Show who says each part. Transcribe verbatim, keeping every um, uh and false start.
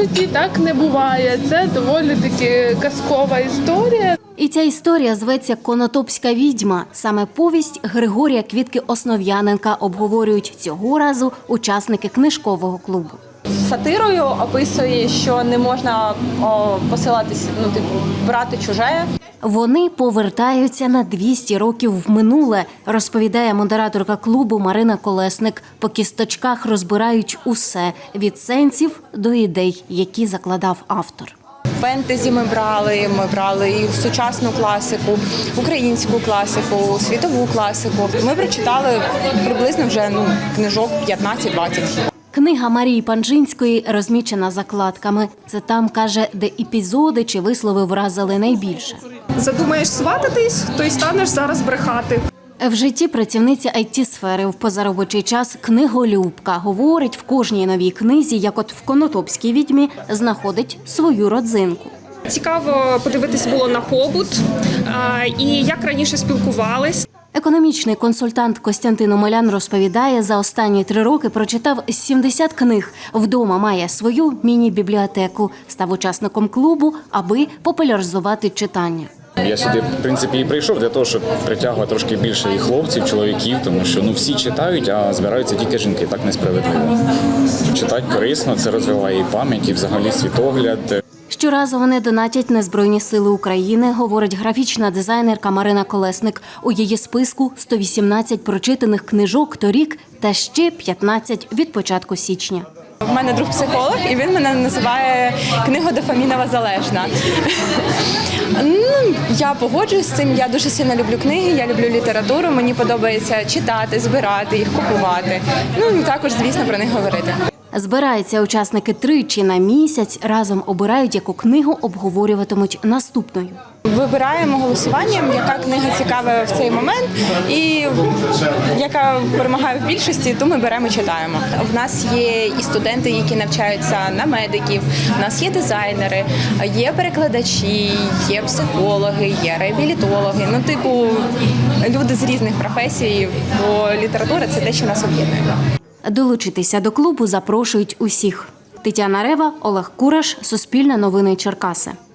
Speaker 1: житті так не буває. Це доволі таки казкова історія.
Speaker 2: І ця історія зветься «Конотопська відьма». Саме повість Григорія Квітки-Основ'яненка обговорюють цього разу учасники книжкового клубу.
Speaker 3: Сатирою описує, що не можна о, посилатися, ну, типу, брати чуже.
Speaker 2: Вони повертаються на двісті років в минуле, розповідає модераторка клубу Марина Колесник. По кісточках розбирають усе – від сенсів до ідей, які закладав автор.
Speaker 3: Фентезі ми брали, ми брали і сучасну класику, українську класику, світову класику. Ми прочитали приблизно вже ну, книжок п'ятнадцять-двадцять.
Speaker 2: Книга Марії Панжинської розмічена закладками. Це там, каже, де епізоди чи вислови вразили найбільше.
Speaker 4: Задумаєш свататись, то й станеш зараз брехати.
Speaker 2: В житті працівниця ай ті-сфери в позаробочий час книголюбка. Говорить, в кожній новій книзі, як от в «Конотопській відьмі», знаходить свою родзинку.
Speaker 4: Цікаво подивитись було на побут і як раніше спілкувались.
Speaker 2: Економічний консультант Костянтин Омелян розповідає, за останні три роки прочитав сімдесят книг. Вдома має свою міні-бібліотеку. Став учасником клубу, аби популяризувати читання.
Speaker 5: Я сюди, в принципі, і прийшов для того, щоб притягувати трошки більше і хлопців, чоловіків, тому що ну всі читають, а збираються тільки жінки. Так несправедливо. Читати корисно, це розвиває і пам'ять, і взагалі світогляд.
Speaker 2: Щоразу вони донатять на Збройні сили України, говорить графічна дизайнерка Марина Колесник. У її списку сто вісімнадцять прочитаних книжок торік та ще п'ятнадцять від початку січня.
Speaker 3: У мене друг психолог, і він мене називає книгодофамінова залежна. Ну, я погоджуюсь з цим, я дуже сильно люблю книги, я люблю літературу, мені подобається читати, збирати їх, купувати. Ну і також, звісно, про них говорити.
Speaker 2: Збираються учасники тричі на місяць, разом обирають, яку книгу обговорюватимуть наступною.
Speaker 3: Вибираємо голосуванням, яка книга цікава в цей момент і яка перемагає в більшості, то ми беремо і читаємо. В нас є і студенти, які навчаються на медиків, у нас є дизайнери, є перекладачі, є психологи, є реабілітологи. Ну, типу, люди з різних професій, бо література – це те, що нас об'єднує.
Speaker 2: Долучитися до клубу запрошують усіх. Тетяна Рева, Олег Кураш, Суспільне новини Черкаси.